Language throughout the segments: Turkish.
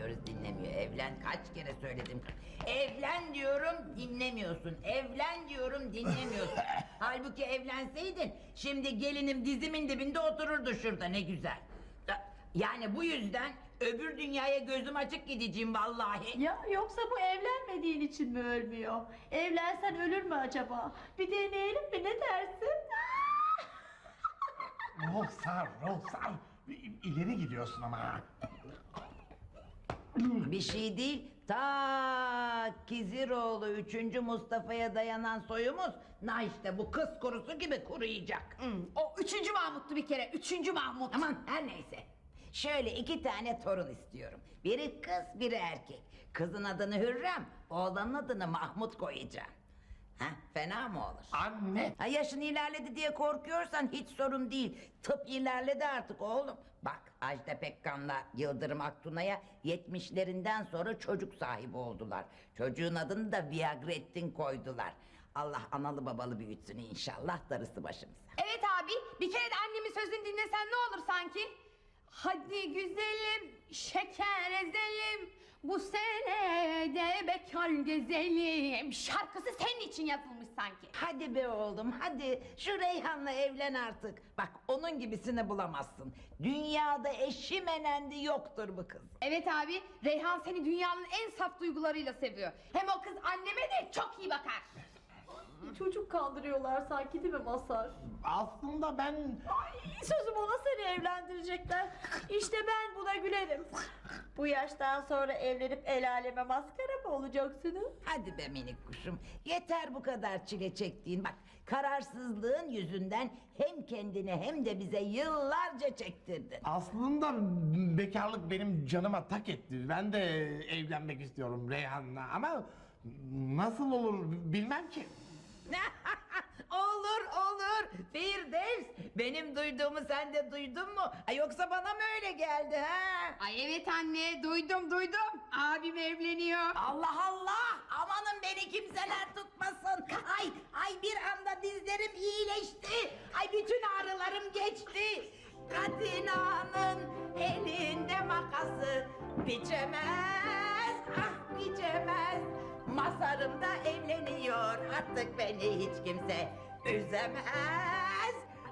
dinlemiyor. Evlen, kaç kere söyledim. Evlen diyorum, dinlemiyorsun. Evlen diyorum, dinlemiyorsun. Halbuki evlenseydin şimdi gelinim dizimin dibinde otururdu şurada, ne güzel. Yani bu yüzden öbür dünyaya gözüm açık gideceğim vallahi. Ya yoksa bu evlenmediğin için mi ölmüyor? Evlensen ölür mü acaba? Bir deneyelim mi, ne dersin? Ruhsar, Ruhsar. İleri gidiyorsun ama. Bir şey değil, ta Kiziroğlu 3. Mustafa'ya dayanan soyumuz, na işte bu kız kurusu gibi kuruyacak. O 3. Mahmut'tu bir kere, 3. Mahmut. Aman her neyse. Şöyle 2 tane torun istiyorum. Biri kız, biri erkek. Kızın adını Hürrem, oğlanın adını Mahmut koyacağım. Ha, fena mı olur? Anne. Ha, yaşın ilerledi diye korkuyorsan hiç sorun değil. Tıp ilerledi artık oğlum. Bak Ajda Pekkan'la Yıldırım Aktuna'ya 70'lerinden sonra çocuk sahibi oldular. Çocuğun adını da Viagrettin koydular. Allah analı babalı büyütsün inşallah, darısı başımıza. Evet abi, bir kere de annemin sözünü dinlesen ne olur sanki? Hadi güzelim, şeker ezelim, bu sene de bekar gezelim. Şarkısı senin için yazılmış sanki. Hadi be oğlum hadi, şu Reyhan'la evlen artık. Bak onun gibisini bulamazsın. Dünyada eşi menendi yoktur bu kız. Evet abi, Reyhan seni dünyanın en saf duygularıyla seviyor. Hem o kız anneme de çok iyi bakar. Çocuk kandırıyorlar sanki, değil mi Mazhar? Aslında ben... Sözüm ona seni evlendirecekler. İşte ben buna gülerim. Bu yaştan sonra evlenip el aleme maskara mı olacaksınız? Hadi be minik kuşum, yeter bu kadar çile çektiğin. Bak kararsızlığın yüzünden hem kendine hem de bize yıllarca çektirdin. Aslında bekarlık benim canıma tak etti. Ben de evlenmek istiyorum Reyhan'la ama... Nasıl olur bilmem ki. Olur olur Firdevs, benim duyduğumu sen de duydun mu? Ay, yoksa bana mı öyle geldi ha? Ay evet anne, duydum. Abim evleniyor. Allah Allah, amanın beni kimseler tutmasın. Ay bir anda dizlerim iyileşti. Ay bütün ağrılarım geçti. Katina'nın elinde makası biçemez, ah biçemez. Mazharım da evleniyor, artık beni hiç kimse üzemez.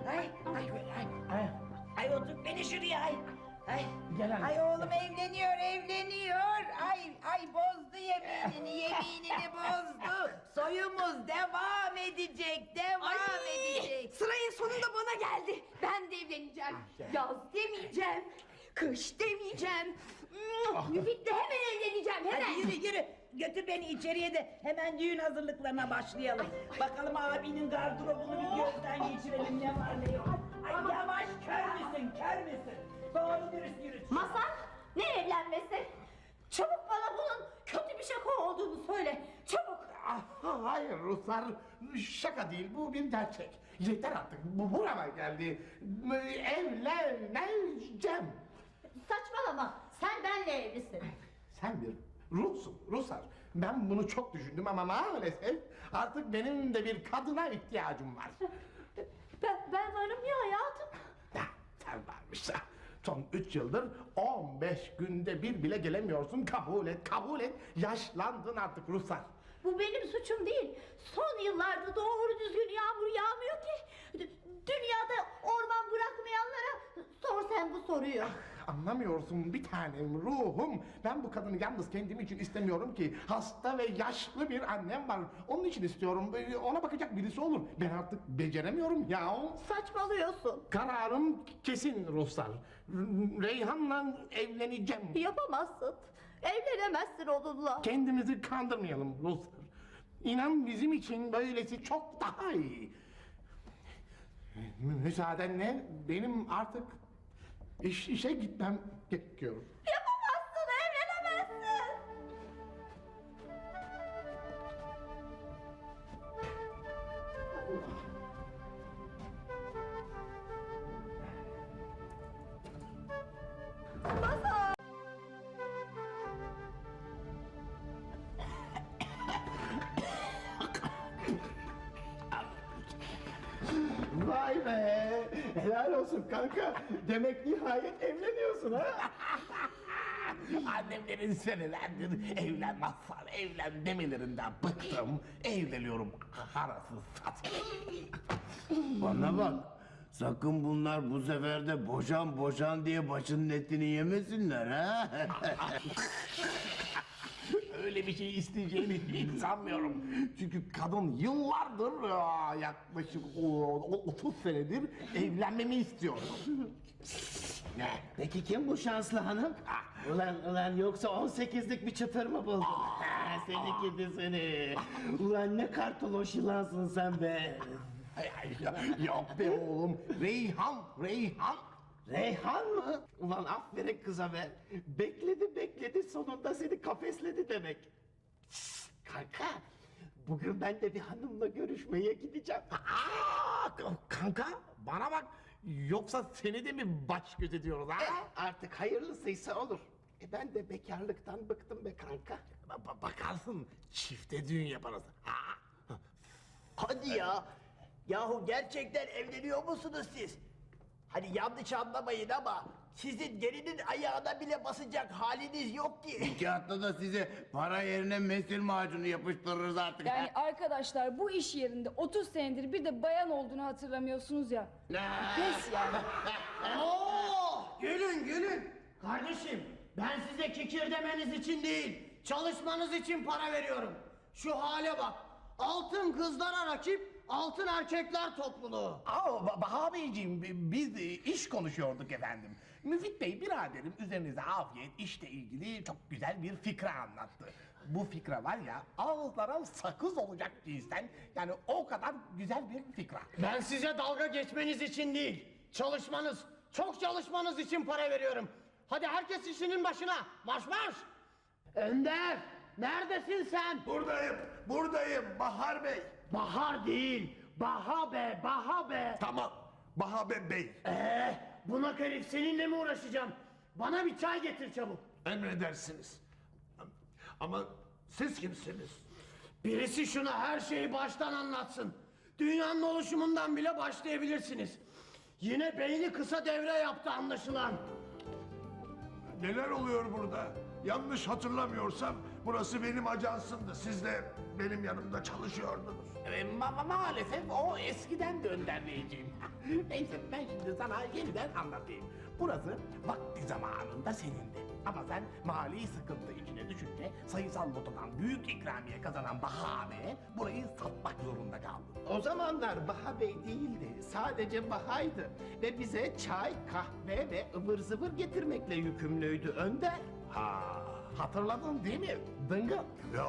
Ay otur beni şuraya ay. Gel anne. Ay oğlum evleniyor. Ay bozdu yeminini bozdu. Soyumuz devam edecek. Sırayın sonunda bana geldi. Ben de evleneceğim. Yaz demeyeceğim. Kış demeyeceğim. Müfit'le hemen evleneceğim, hemen. Hadi yürü. Götür beni içeriye de hemen düğün hazırlıklarına başlayalım. Bakalım abinin gardırobunu bir gözden geçirelim, ne var ne yok. Ay yavaş, kör müsün? Doğru dürüst yürü. Mazhar, ne evlenmesi? Çabuk bana bunun kötü bir şaka olduğunu söyle. Çabuk. Hayır Ruhsar, şaka değil, bu bir gerçek. Yeter artık, bu burama geldi. Evleneceğim. Saçmalama. Sen benle evlisin. Sen bir ruhsun, Ruhsar. Ben bunu çok düşündüm ama maalesef artık benim de bir kadına ihtiyacım var. Ben varım ya hayatım. Ya, sen varmışsa. Son 3 yıldır 15 günde bir bile gelemiyorsun. Kabul et. Yaşlandın artık Ruhsar. Bu benim suçum değil. Son yıllarda doğru düzgün yağmur yağmıyor ki. Dünyada orman bırakmayanlara sor sen bu soruyu. Anlamıyorsun bir tanem ruhum. Ben bu kadını yalnız kendim için istemiyorum ki. Hasta ve yaşlı bir annem var. Onun için istiyorum. Ona bakacak birisi olur. Ben artık beceremiyorum ya. Saçmalıyorsun. Kararım kesin Ruhsar. Reyhan'la evleneceğim. Yapamazsın. Evlenemezsin onunla. Kendimizi kandırmayalım Ruhsar. İnan bizim için böylesi çok daha iyi. Müsaadenle benim artık işe gitmem gerekiyor. Yapamazsın, evlenemezsin. Mazhar. Vay be! Helal olsun kanka. Demek nihayet evleniyorsun ha? Annemlerin senelerdir evlenmezsen evlen demelerinden bıktım. Evleniyorum arası satayım. Bana bak. Sakın bunlar bu sefer de boşan diye başının etini yemesinler ha. Öyle bir şey isteyeceğini hiç sanmıyorum. Çünkü kadın yıllardır yaklaşık 30 senedir evlenmemi istiyor. Ne? Peki kim bu şanslı hanım? Ulan yoksa 18'lik bir çıtır mı buldun? Seni gidi seni. Ulan ne kartoloş yılansın sen be. Yok be oğlum. Reyhan. Reyhan mı? Ulan aferin kıza be. Bekledi sonunda seni kafesledi demek. Şşt, kanka. Bugün ben de bir hanımla görüşmeye gideceğim. Kanka bana bak. Yoksa seni de mi baş göz ediyoruz ha? Artık hayırlısıysa olur. Ben de bekarlıktan bıktım be kanka. Bakarsın çifte düğün yaparız. Hadi ya. Yahu gerçekten evleniyor musunuz siz? Hani yanlış anlamayın ama sizin gelinin ayağına bile basacak haliniz yok ki. İki hafta da size para yerine mesil macunu yapıştırırız artık. Yani arkadaşlar bu iş yerinde 30 senedir bir de bayan olduğunu hatırlamıyorsunuz ya. Pes yani. Oo, gülün. Kardeşim ben size kikir demeniz için değil, çalışmanız için para veriyorum. Şu hale bak. Altın kızlara rakip, altın erkekler topluluğu. Baha Beyciğim biz iş konuşuyorduk efendim. Müfit Bey biraderim üzerinize afiyet işle ilgili çok güzel bir fikra anlattı. Bu fikra var ya ağızlara sakız olacak cinsten yani o kadar güzel bir fikra. Ben size dalga geçmeniz için değil, çalışmanız, çok çalışmanız için para veriyorum. Hadi herkes işinin başına, marş! Önder, neredesin sen? Buradayım Bahar Bey. Bahar değil, Baha be. Tamam, Bahar Bey. Bunak herif seninle mi uğraşacağım? Bana bir çay getir çabuk. Emredersiniz. Ama siz kimsiniz? Birisi şuna her şeyi baştan anlatsın. Dünyanın oluşumundan bile başlayabilirsiniz. Yine beyni kısa devre yaptı anlaşılan. Neler oluyor burada? Yanlış hatırlamıyorsam burası benim ajansımdı. Siz de benim yanımda çalışıyordunuz. Maalesef o eskiden de Önder Beyciğim. Neyse ben şimdi sana yeniden anlatayım. Burası vakti zamanında senindi. Ama sen mali sıkıntı içine düşünce sayısal lotodan büyük ikramiye kazanan Baha Bey'e burayı satmak zorunda kaldın. O zamanlar Baha Bey değildi. Sadece Baha'ydı. Ve bize çay, kahve ve ıvır zıvır getirmekle yükümlüydü Önder. Hatırladın değil mi Dıngıl? Ya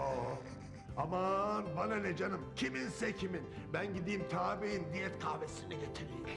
aman bana ne canım. Kiminse kimin. Ben gideyim tabi'in diyet kahvesini getireyim.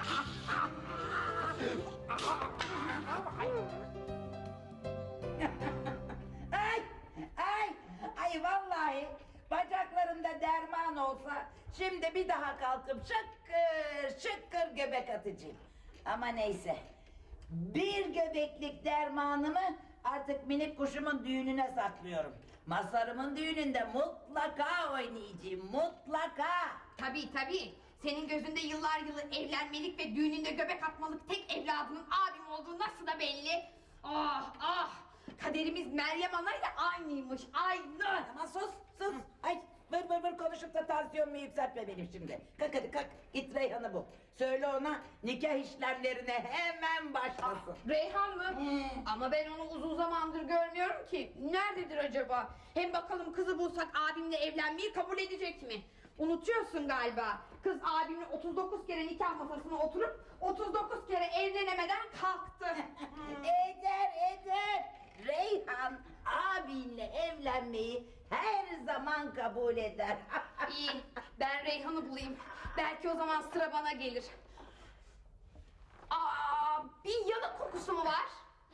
Ay vallahi bacaklarımda derman olsa şimdi bir daha kalkıp şıkkır göbek atacağım. Ama neyse. Bir göbeklik dermanımı artık minik kuşumun düğününe saklıyorum. Masarımın düğününde mutlaka oynayacağım, mutlaka. Tabii. Senin gözünde yıllar yılı evlenmelik ve düğününde göbek atmalık tek evladının abim olduğu nasıl da belli. Ah! Kaderimiz Meryem Ana'yla aynıymış, aynı. Ama sus. Ay vır konuşup da tansiyonumu yükseltme benim şimdi. Kalk hadi kalk, git Reyhan'ı bul. Söyle ona nikah işlemlerine hemen başlasın. Reyhan mı? Ama ben onu uzun zamandır görmüyorum ki. Nerededir acaba? Hem bakalım kızı bulsak abimle evlenmeyi kabul edecek mi? Unutuyorsun galiba. Kız abimle 39 kere nikah masasına oturup 39 kere evlenemeden kalktı. Eder. Reyhan abinle evlenmeyi her zaman kabul eder. İyi, ben Reyhan'ı bulayım. Belki o zaman sıra bana gelir. Bir yanık kokusu mu var?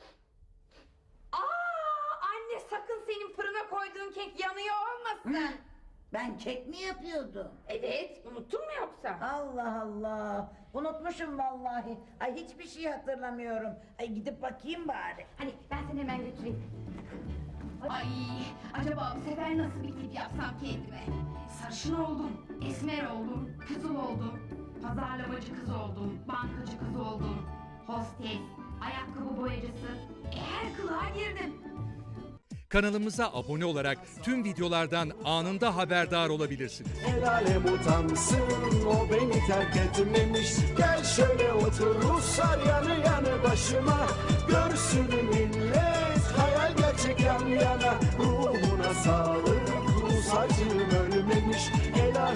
Anne sakın senin fırına koyduğun kek yanıyor olmasın. Ben kek mi yapıyordum? Evet, unuttun mu yoksa? Allah. Unutmuşum vallahi. Ay hiçbir şey hatırlamıyorum. Ay gidip bakayım bari. Hani ben seni hemen götüreyim. Ay, acaba bu sefer nasıl bir tip yapsam kendime? Sarışın oldum, esmer oldum, kızıl oldum, pazarlamacı kız oldum, bankacı kız oldum, hostes, ayakkabı boyacısı. Her kılığa girdim. Kanalımıza abone olarak tüm videolardan anında haberdar olabilirsiniz. El alem utansın, o beni terk etmemiş. Gel şöyle otur Ruslar yanı yanı başıma. Görsün